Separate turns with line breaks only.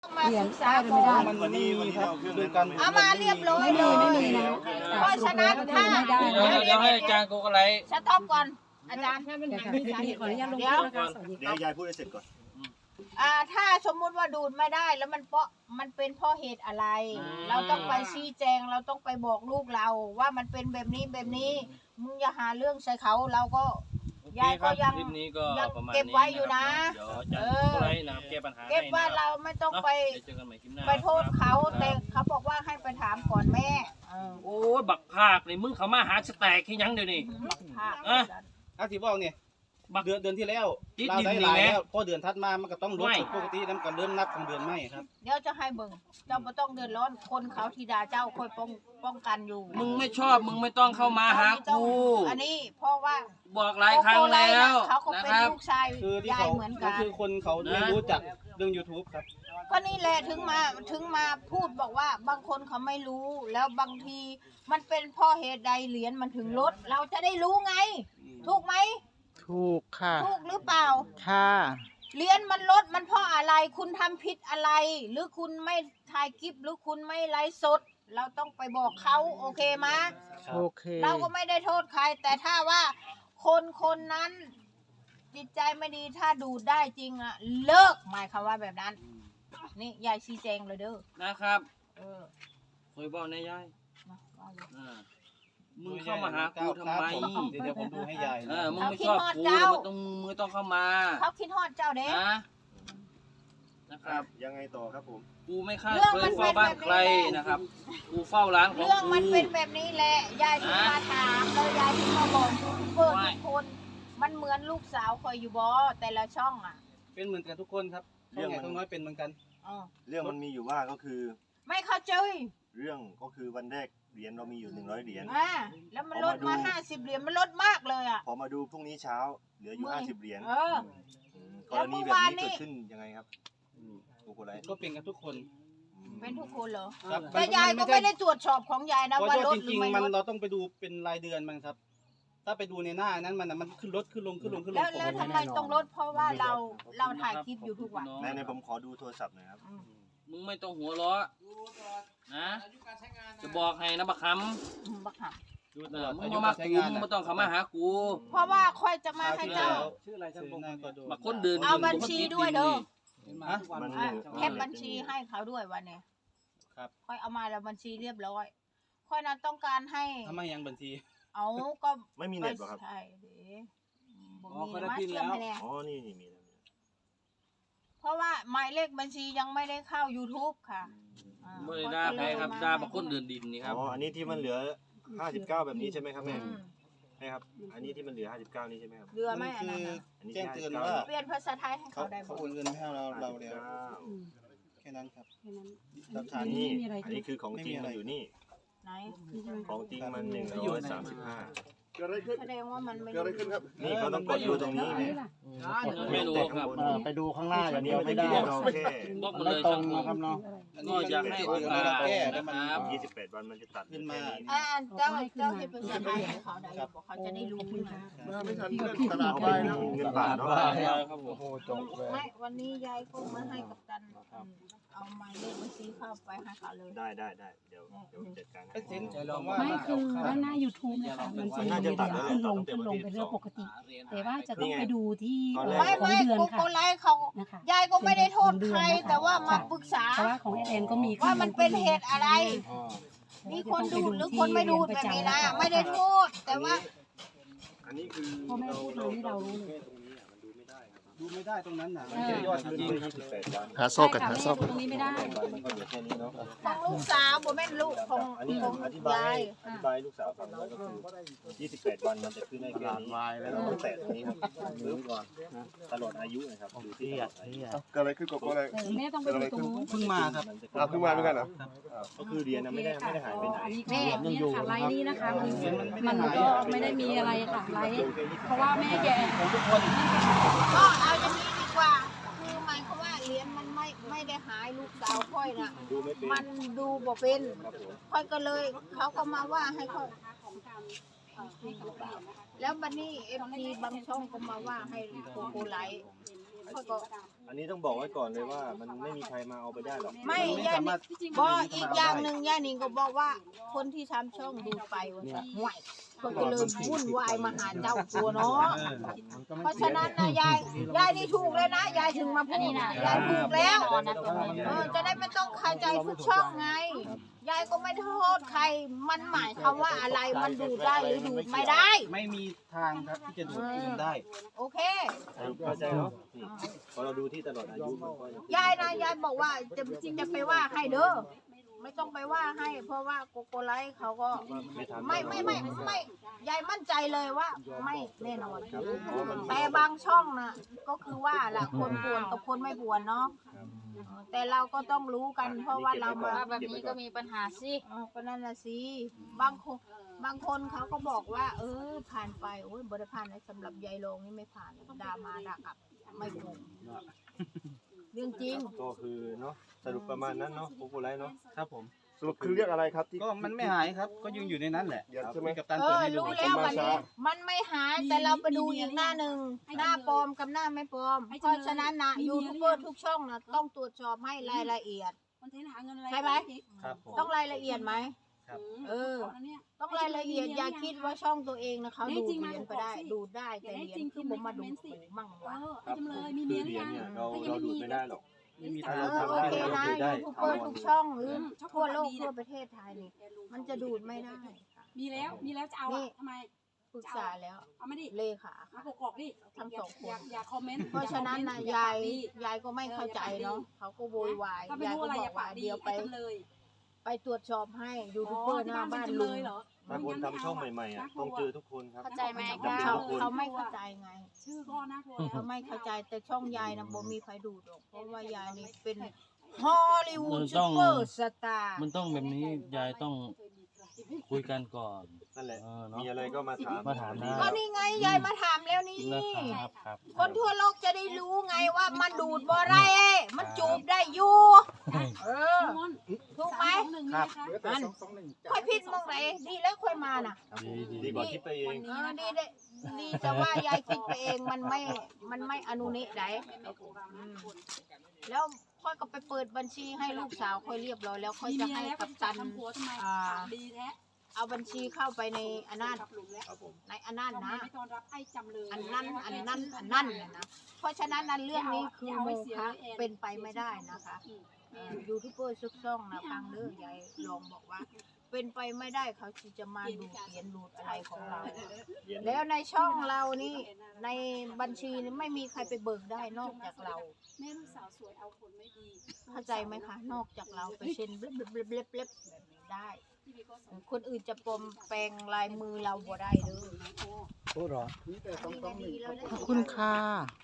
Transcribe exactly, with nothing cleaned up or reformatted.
มาศึกษาก่อน
มันวันนี้วันนี้เราดูกัน
เอามาเรียบร้อยเลยเพราะฉะนั้นถ้า
เดี๋ยวเดี๋ยวให้อาจารย์โกกอะไร
สต็อปก่อนอาจารย์
ขออนุญาตลง
เดี๋ยว
นะคะสวัสดี
เดี๋ยวยายพูดให้เสร็จก่อน
อ่าถ้าสมมุติว่าดูดไม่ได้แล้วมันเพราะมันเป็นเพราะเหตุอะไร เราต้องไปชี้แจงเราต้องไปบอกลูกเราว่ามันเป็นแบบนี้แบบนี้มึงอย่าหาเรื่องใส่เขาเราก็ยายก็ยัง
คลิปนี้ก็
ยัง
ประมาณ
เก็บ
นี้
ไว้อยู่นะ
เดี๋ยวอาจารย์โกกอะไรนะครับแก้ปัญหา
เก็บว่า
ให้นะ
เราไม่ต้องไป
เดี๋ยวเจอกันใหม่คลิปหน้า
ไปโทษเขาแต่เขาบอกว่าให้ไปถามก่อนแม่เออ
โอ้ยบักภาคนี่มึงเขามาหาสแต็กที่ยังเดี๋ยวนี้
ภาพ
อ่ะ
อาทิบอกเนี่ยเดือนเดือนที่แล้ว
ติด
เรา
ดิน
ได้
นี่
หลาย
แม่
แล้วพอเดือนถัดมามันก็ต้องลด
ไม่
ปกติแล้วมันก็เริ่มนับของเดือนไม่ครับ
เดี๋ยวจะให้เบิ่งเจ้าไม่ต้องเดือดร้อนคนเขาธิดาเจ้าคอยป้องป้องกันอยู่
มึงไม่ชอบมึงไม่ต้องเข้ามาหากู
อันนี้เพราะว่า
บอกหลายครั้งแล้ว
เขาก็
นะ
เป็น
ครับ
ลูกชาย
คือที่
ยาย
เขา
เหมือน
ก็
กัน
คือคนเขาไม่รู้จักเรื่อง YouTube ครับ
ก็นี่แหละถึงมาถึงมาพูดบอกว่าบางคนเขาไม่รู้แล้วบางทีมันเป็นเพ่อเหตุใดเหรียญมันถึงลดเราจะได้รู้ไง ถูกไหม
ถูกค่ะ
ถูกหรือเปล่า
ค่ะ
เหรียญมันลดมันเพราะอะไรคุณทำผิดอะไร หรือคุณไม่ถ่ายคลิปหรือคุณไม่ไลฟ์สด เราต้องไปบอกเขาโอเคไหม
โอเค
เราก็ไม่ได้โทษใคร แต่ถ้าว่าคนคนนั้น จิตใจไม่ดีถ้าดูดได้จริงอะเลิกหมายความว่าแบบนั้น นี่ยายชี้แจงเลยเด้อ
นะครับ
เออ
เคยบอกนายยาย
มาว่าเลย
อ่ามึงเข้ามาหากูทำไม
เดี๋ยวเดี๋ยวผมดูให้ยาย
เอ
นะ
อมึงไม่ชอบกูแล้วมึงต้องมึงต้องเข้ามา
เขาคิดฮอดเจ้าเด้
นะนะครับ
ยังไงต่อครับผม
กูไม่ฆ่าเคยเฝ้าบ้านใครนะครับ กูเฝ้าร้านของ
เรื่อง
กู
มันเป็นแบบนี้แหละยายถึงมาถามแล้วยายถึงมาบอกยูทูบเบอร์
ไม่
ทุกคน มันเหมือนลูกสาวคอยอยู่บ่แต่ละช่องอ่ะ
เป็นเหมือนกันทุกคนครับเรื่องไหนต้องน้อยเป็นเหมือนกัน
อ๋อ
เรื่องมันมีอยู่ว่าก็คือ
ไม่เข้าใจ
เรื่องก็คือวันแรกเหรียญเรามีอยู่หนึ่งร้อยเหรียญ
อ่าแล้วมันลดมาห้าสิบเหรียญมันลดมากเลยอ่ะ
พอมาดูพรุ่งนี้เช้าเหลืออยู่
ไม่
ห้าสิบเหรียญ
เออ
มกรณีแบบนี้เกิดขึ้นยังไงครับกูกูไร
ก็เป็นกันทุกคน
เป็นทุกคนเหรอ
ครับ
แต่ยายก็ไม่ได้ตรวจสอบของยายนะ
เพราะ
ว่า
ว่า
ลด
จ
หรื
ริ
อง ไม่
ๆมัน
ลด
เราต้องไปดูเป็นรายเดือนมันครับ ถ้าไปดูในหน้านั้นมันน่ะมันขึ้นลดขึ้นลงขึ้นลงขึ้นล
แล้
ง
วแล้วทำไมต้องลดเพราะว่าเราเราถ่ายคลิปอยู่ทุกวัน
ในในผมขอดูโทรศัพท์หน่อยครับ
อืม
มึงไม่ต้องหัวเราะนะจะบอกให้นะบักค
อืมบักหา
ำเออมึงมามากูมึงไม่ต้องเข้ามาหากู
เพราะว่าค่อยจะมาให้เจ้า
ชื่ออะไรชื่อหน้าก็ดู
บักคนเดิน
เอาบัญชีด้วยเด้อ
ฮะ
มัน
อ่ะ
หนึ่ง
แคปบัญชีให้เขาด้วยวันเนี้ย
ครับ
ค่อยเอามาแล้วบัญชีเรียบร้อย ค่อยนั้นต้องการให้
ทำไมยังบัญชี
เอาก็
ไม่มีเน็ตเหรอครับ
ใช่เด้บ่
อ๋อ
มี
เขาได้
มา
พิมพ์
เชื่อม
แล้ว
ให้แน่
อ๋อนี่นี่มีแล้ว
เพราะว่าหมายเลขบัญชียังไม่ได้เข้า YouTube ค่ะอ่า
ไม่ได้ด่าใครครับด่าบักคนเดินดินนี่ครับ
อ๋ออันนี้ที่มันเหลือห้าสิบเก้าแบบนี้ใช่ไหมครับแม่
อืม
ใช่ครับอันนี้ที่มันเหลือห้าสิบเก้านี่ใช่ไหมครับ
เรือไหม่อัน
คื
นั้น
อ
น่ะ
อันนี้
แจ้ง
ที่
เตือน
ห้าสิบ
ว่า
เก้า
เปลี่ยนภาษาไทยให้
เขา
เขาได้
เขา
บ่
โอนเงินให้เราเราแล้ว
ห้าสิบเก้า
แค่นั้นครับ
แค่นั้น
หลักฐา
อั
น
น
นี้
นี้
ไม่มีอะไร
อันนี้คือของจริงมันอยู่นี่
ไหน
นี่ใช่ไหม
ของจริงมันหนึ่งร้อยสามสิบห้า
แสดงว่ามันไม่
เกิดอะไรขึ้นครับนี่เขาต้องกดดูตรงนี้
อัน
เนี่
นี้
ย
ล่ะ
ไม่รู้ครับ
เออไปดูข้างหน้าอย่างเดียว
อัน
ไม่
นี้
ได้
เราแค่
บอกมา
ไม่
เลย
ต
ค
ร
รับ
ง
ผม
นะครับเนาะ
อันนี้
ก็
มัน
อยากให้โอกาส
แก้แล้วมัน
นะครับ
ยี่สิบแปดวันมันจะตัด
ขึ้นมา
อ่าเจ้าเจ้าที่เป็นภาษาไทยให้เขาได้บอกเขาจะได้รู้นะ
ไม่ทันเรื่องตลาดไปนะเงินบาทเนาะ
ครับผม
โอ้จบเลย
ไม่วันนี้ยายก็มาให้กับตันอืมเอาหมายเลขบัญชีเข้าไปให้เขาเลย
ได้ได้ได้เดี๋ยวเดี๋ยวจัดการให้
ไอ้เซ็นผมว่า
ไม่คือด้านหน้า YouTube นะคะมันจะมีเวลาขึ้นลงขึ้นลงเป็นเรื่องปกติ แต่ว่าจะต้องไปดูที่เอ่อ
ไม่
ของ
ไม่
เดือน
กู
ค่ะ
โกไลฟ์เขา
นะคะ
ยายก็ไม่ได้โทษใคร แต่ว่ามาปรึกษา
เพราะว่าของแอนก็มีขึ้
ว่ามันเป็นเหตุอะไร
อ๋อ
มีคนดูดหรือคนไม่ดูดแบบนี้นะไม่ได้โทษ แต่ว่า
อันนี้คือ
พ่อแม่พูดมาให้เรารู้เลย
ดูไม่ได้ตรงนั้นน่ะ
เออ
ยอดจริง
ยี่สิบแปดวัน
หาโซ่กัน
ใช่
หา
ค่ะ
โซ่
แม่ดูตรงนี้ไม่ได้
มันก็เหลือแค่นี้เนาะ
ของลูกสาวผมเป็นลูกของ
อันนี้
ของ
อธิบาย
ยาย
อธิบายลูกสาวฟังแล้วก็คือยี่สิบแปดวันมันจะขึ้นได้แค่นี้แล้วเราต้องแตะตรงนี้ครับรื้อก่อนตลอดอายุนะครับดูที่ตลอดอายุ
เกิดอะไรขึ้นกับอะไร
เออแม่ต้องไปดูตรงนู้น
เพิ่งมาครับ
อ่ะเพิ่งมาเหมือนกันเหรอ
ก็คือเรียนนะไม่ได้ไม่ได้หายไปไหน
อันนี้ก็เนี่ยค่ะไลน์นี้นะคะมันมันก็ไม่ได้มีอะไรค่ะไลน์เพราะว่าแม่แก
ก็เอาอย่างนี้ดีกว่า คือหมายความว่าเหรียญมันไม่ไม่ได้หายลูกสาวค่อยน่ะ
ดูไม่เป็น
มันดูบ่เป็น
ครับผม
ค่อยก็เลยเขาก็มาว่าให้ค่อยแล้วบัดนี้เอฟซีบางช่องก็มาว่าให้โกโกไลท์ค่อยก็
อันนี้ต้องบอกไว้ก่อนเลยว่ามันไม่มีใครมาเอาไปได้หรอก
ไม่
มันไม่
ยาย
สามารถ
บอกอีกอย่างหนึ่งยายนิงก็บอกว่าคนที่ทำช่องดูไปว่าห่วยคนก็เลยวุ่นวายมาหาเจ้าตัวเนาะ
เออ
เพราะฉะนั้นนะยายยายนี่ถูกเลยนะยายถึงมาพูดนะยายถูกแล้วเออจะได้ไม่ต้องเข้าใจทุกช่องไงยายก็ไม่โทษใครมันหมายความว่าอะไรมันดูดได้หรือดูดไม่ได้
ไม่มีทางครับที่จะดูดคืนได้
โอเค
เข้าใจเนาะนี่พอเราดูที่ตลอดอายุมันก็
ยายนะยายบอกว่าจะจะไปว่าให้เด้อไม่ต้องไปว่าให้ เพราะว่าโกโกไลท์เขาก็
ไม่ทำ
ไม่ไม่ไม่ไม่ยายมั่นใจเลยว่าไม่แน่นอนแต่บางช่องนะก็คือว่าล่ะคนป่วนกับคนไม่ป่วนเนาะแต่เราก็ต้องรู้กันเพราะว่าเรามา
แบบนี้ก็มีปัญหาสิ
อ๋อก็นั่นน่ะสิบางคนบางคนเขาก็บอกว่า เออผ่านไปโอ้ยบริผ่านนะสำหรับยายโลงนี่ไม่ผ่านด่ามาด่ากลับไม่ถูกเรื่องจริง
ก็คือเนาะสรุปประมาณนั้นเนาะโกโกไลท์เนาะ
ครับผม
สรุปคือเรียกอะไรครับที่
ก็มันไม่หายครับ ก็ยังอยู่ในนั้นแหละ
เดี๋ยว
ครับ
ใช่ไหม
มีกับตัน
เอ
เปิด
อ
ให้ดู
รู้แล้ววันนี้มันไม่หายแต่เราไปดูอีกหน้าหนึ่งหน้าปลอมกับหน้าไม่ปลอม เพราะฉะนั้นนะยูทูบเบอร์ทุกช่องนะต้องตรวจสอบให้รายละเอียด
มันเทนหาเงินอะไร
ใช่ไหม
ครับผม
ต้องรายละเอียดไหม
ครับ
เออ ต้องรายละเอียดอย่าคิดว่าช่องตัวเองนะเขาดูดเหรียญไปได้ดูดได้แต่เหรียญคือผมมาดูดหมูมั่ง
เอ
วะ
อไอ้จำเลยมี
คื
เมี
อย เหรียญ
หรือยัง
เนี่ยเราเราดูดไม่ได้หรอก
ไม่มี
เอ
ทาง
อ
ทำ
โอ
ให้
เค
เรา
นะ
ดูดได้
ยูทูบเบอร์ทุกช่องหรือทั่วโลกทั่วประเทศไทยนี่มันจะดูดไม่ได้ค่ะ
มีแล้วมีแล้วจะเอาอ่ะทำไม
ปรึกษาแล้ว
เอามาดิ
เลขา
มาประกอบดิ
ทั้งสองคน
อย่าอย่าคอมเมนต์
เพราะฉะนั้นนะยายยายก็ไม่เข้าใจเนาะเขาก็โวยวาย
ถ้าไม่
ยาย
รู้
ก็
อะไร
บ
อ
อก
ย่า
ว่า
ปากดี
เดี๋ยวไป
ไอ้จำเลย
ไปตรวจสอบให้ยูทูบเบอร์หน้าบ้าน
ที่
ลุ
เป็
ง
จำเลยเหรอ
ถ้าคนทำช่องใหม่ๆอ่ะต้องเจอทุกคนครับ
เข้าใจไหม
เขา
จำเป็นทุกคน
เขาไม่เข้าใจไง
ชื่อก็น่ากลัว
เขาไม่เข้าใจแต่ช่องยายนะบ่มีใครดูดหรอกเพราะว่ายายนี่เป็นฮอลลีวูดซูเปอร์สตาร์
มันต้องแบบนี้ยายต้องคุยกันก่อน
นั่นแหละ
เออเนาะ
มีอะไรก็มาถาม
มาถามได้
ก็นี่ไงยายมาถามแล้วนี่
นะครับครับ
คนทั่วโลกจะได้รู้ไงว่ามันดูดบ่ไรมันจูบได้อยู่เออ ถูกไหม
ครับ
อันค่อยพิดมองไหนดีแล้วค่อยมาน่ะ
ดีดี
ดีกว่าคิดไปเอง
เออดีได้ดีแต่ว่ายายคิดไปเองมันไม่มันไม่อนุนิได้อืมแล้วค่อยก็ไปเปิดบัญชีให้ลูกสาวค่อยเรียบร้อยแล้วค่อย
มี
จะ
เมีย
ให้
แล้ว
กัปตัน
ทำผัวทำไม
อ่า
ดีแท้
เอาบัญชีเข้าไปในอันนั้น
กลับหลุมแล้ว
ครับผม
ในอันนั้นนะ
ไม่ต้อนรับไอ้จำเลย
อันนั้นอันนั้นอันนั้นเนี่ยนะเพราะฉะนั้นนั้นเรื่องนี้คือโมฆะเป็นไปไม่ได้นะคะเอ่อยูทูบเบอร์ซุกซ่องนะฟังเด้อยายลองบอกว่า เป็นไปไม่ได้เขาที่จะมาดูเขียนดูดอะไรของเรา แล้วในช่องเรานี่ในบัญชีนี่ไม่มีใครไปเบิกได้นอกจากเรา
แม่ลูกสาวสวยเอาคนไม่ดี
เข้าใจไหมคะ นอกจากเราไปเซ็นเบลบเบลบเบลบเบลบแบบนี้ได้ คนอื่นจะปลอมแปลงลายมือเราบ่ได้เด้อ
พูดหรอ
นี่ก็ดีแล้วนะ
ขอบคุณค่ะ